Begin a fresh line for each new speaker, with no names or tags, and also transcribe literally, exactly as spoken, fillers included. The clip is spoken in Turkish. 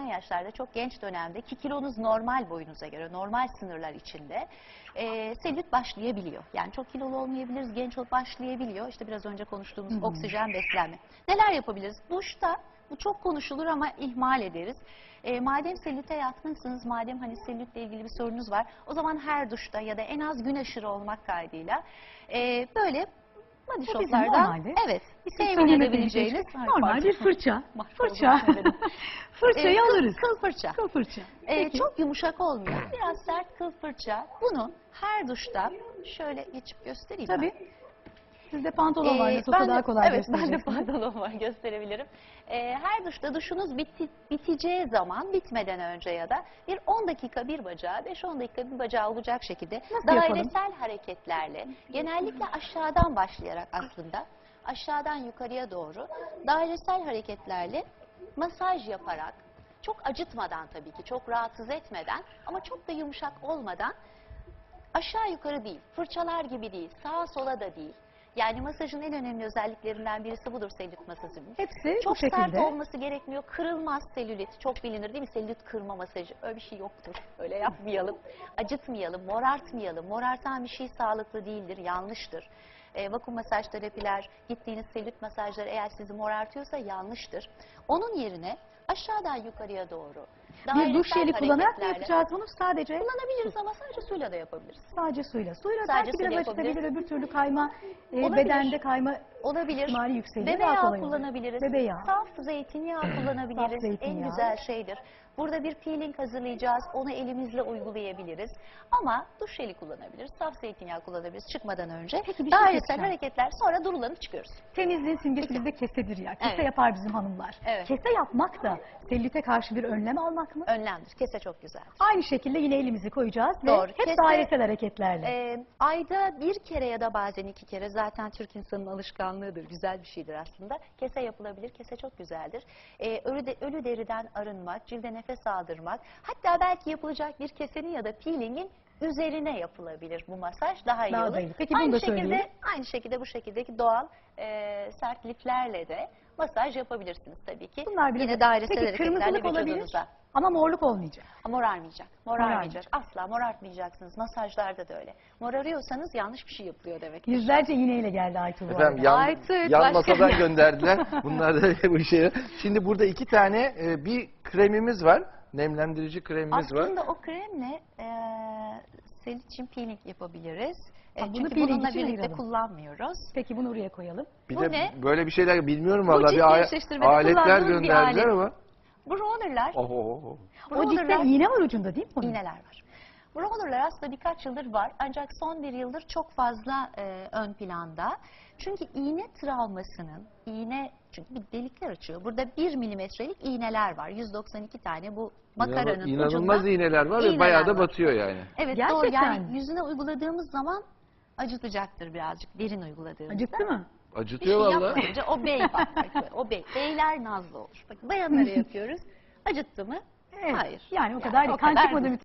yaşlarda, çok genç dönemde ki kilonuz normal boyunuza göre, normal sınırlar içinde e, selülit başlayabiliyor. Yani çok kilolu olmayabiliriz, genç olup başlayabiliyor. İşte biraz önce konuştuğumuz
Hı hı.
oksijen beslenme. Neler yapabiliriz? Duşta bu çok konuşulur ama ihmal ederiz. E, madem selülite yatkınsınız, madem hani selülitle ilgili bir sorunuz var, o zaman her duşta ya da en az gün aşırı olmak kaydıyla e, böyle body
Bu bizim
shoplardan
normalde
evet temin
söylemediğimiz
edebileceğiniz
şey, normal bir fırça. Fırça.
Fırça.
Fırçayı
Ee, kıl-
alırız.
Kıl fırça.
Kıl fırça.
Ee,
Peki.
çok yumuşak olmayan, biraz sert kıl fırça. Bunu her duşta şöyle geçip göstereyim
Tabii.
ben.
Sizde pantolon var,
Ee,
nasıl
ben
olsa
de-
daha kolay
Evet, ben de
göstereceksiniz.
pantolon var, gösterebilirim. Ee, her duşta duşunuz biti, biteceği zaman, bitmeden önce ya da bir on dakika bir bacağı, beş on dakika bir bacağı olacak şekilde
Nasıl
dairesel
yapalım?
hareketlerle, genellikle aşağıdan başlayarak aslında, aşağıdan yukarıya doğru dairesel hareketlerle masaj yaparak, çok acıtmadan tabii ki, çok rahatsız etmeden ama çok da yumuşak olmadan, aşağı yukarı değil, fırçalar gibi değil, sağa sola da değil. Yani masajın en önemli özelliklerinden birisi budur selülit masajının.
Hepsi
Çok
bu şekilde.
sert olması gerekmiyor. Kırılmaz selülit. Çok bilinir değil mi? Selülit kırma masajı. Öyle bir şey yoktur. Öyle yapmayalım. Acıtmayalım, morartmayalım. Morartan bir şey sağlıklı değildir, yanlıştır. E, vakum masaj terapiler, gittiğiniz selülit masajları eğer sizi morartıyorsa yanlıştır. Onun yerine aşağıdan yukarıya doğru
Bir duş
dairesel
jeli kullanarak mı
hareketlerle
yapacağız bunu? Sadece
kullanabiliriz ama sadece suyla da yapabiliriz.
sadece suyla. Suyla
Sadece
belki
suyla
biraz
yapabiliriz.
acıtabilir, öbür türlü kayma, e,
Olabilir.
bedende kayma
Olabilir.
ihtimali yükseliyor.
Bebe
Daha
yağı
kolay olur.
kullanabiliriz.
Bebe yağı.
Saf zeytinyağı kullanabiliriz.
Saf zeytinyağı.
En güzel şeydir. Burada bir peeling hazırlayacağız. Onu elimizle uygulayabiliriz. Ama duş jeli kullanabiliriz. Saf zeytinyağı kullanabiliriz çıkmadan önce.
Peki bir şey
Dairesel
söyleyeceğim.
hareketler, sonra durulanıp çıkıyoruz.
Temizliğin simgesi bizde kesedir ya. Kese
Evet.
yapar bizim hanımlar.
Evet.
Kese yapmak da selülite karşı bir önlem almak mı?
Önlemdir. Kese çok güzel.
Aynı şekilde yine elimizi koyacağız ve
Doğru.
hep
Kese-
dairesel hareketlerle.
Ee, ayda bir kere ya da bazen iki kere, zaten Türk insanının alışkanlığıdır, güzel bir şeydir aslında. Kese yapılabilir, kese çok güzeldir. Ee, ölü, de, ölü deriden arınmak, cilde nefes aldırmak, hatta belki yapılacak bir kesenin ya da peelingin üzerine yapılabilir bu masaj, daha iyi
Daha
olur.
da iyi. Peki bunu
aynı
da
şekilde,
söyleyelim.
aynı şekilde bu şekildeki doğal e, sert liflerle de masaj yapabilirsiniz tabii ki.
Bunlar bile
Yine dairesel
Peki
hareketlerle
kırmızılık olabilir
vücudunuza.
ama morluk olmayacak.
Morarmayacak, morarmayacak.
Morarmayacak.
Asla morartmayacaksınız. Masajlarda da öyle. Morarıyorsanız yanlış bir şey yapılıyor demek.
Yüzlerce iğneyle geldi Aytuğ bu
Efendim
arada.
yan,
Artık
yan
başka-
masadan gönderdiler. Bunlar da bu işe. Şimdi burada iki tane e, bir kremimiz var. Nemlendirici kremimiz var.
Aslında o kremle e, selülit için peeling yapabiliriz. E,
Ha, bunu
çünkü
peeling
bununla
için
birlikte
ayıralım.
kullanmıyoruz.
Peki bunu oraya koyalım.
Bir
bu
de
ne?
böyle bir şeyler bilmiyorum
Bu
vallahi
cilt
bir a-
gevşeştirmede
aletler
kullandığımız bir
gönderdiler
alet.
ama.
Bu rollerlar,
Oho, oho.
O ciltte
rollerlar-
iğne var ucunda değil mi onun?
iğneler var. Bu rollerlar aslında birkaç yıldır var, ancak son bir yıldır çok fazla e, ön planda. Çünkü iğne travmasının, iğne çünkü bir delikler açıyor. Burada bir milimetrelik iğneler var. yüz doksan iki tane bu makaranın
İnanılmaz
ucunda.
iğneler var ve
iğneler
bayağı da
var.
batıyor yani.
Evet,
Gerçekten
doğru. Yani
mi?
yüzüne uyguladığımız zaman acıtacaktır birazcık, derin uyguladığımızda.
Acıttı mı?
Bir şey
Acıtıyor vallahi.
yapmayınca o bey patlar. O bey. Beyler nazlı olur. Bak, bayanlara yapıyoruz. Acıttı mı?
Evet.
Hayır.
Yani o kadar değil. Kan
kadar
çıkmadı
değil.
mı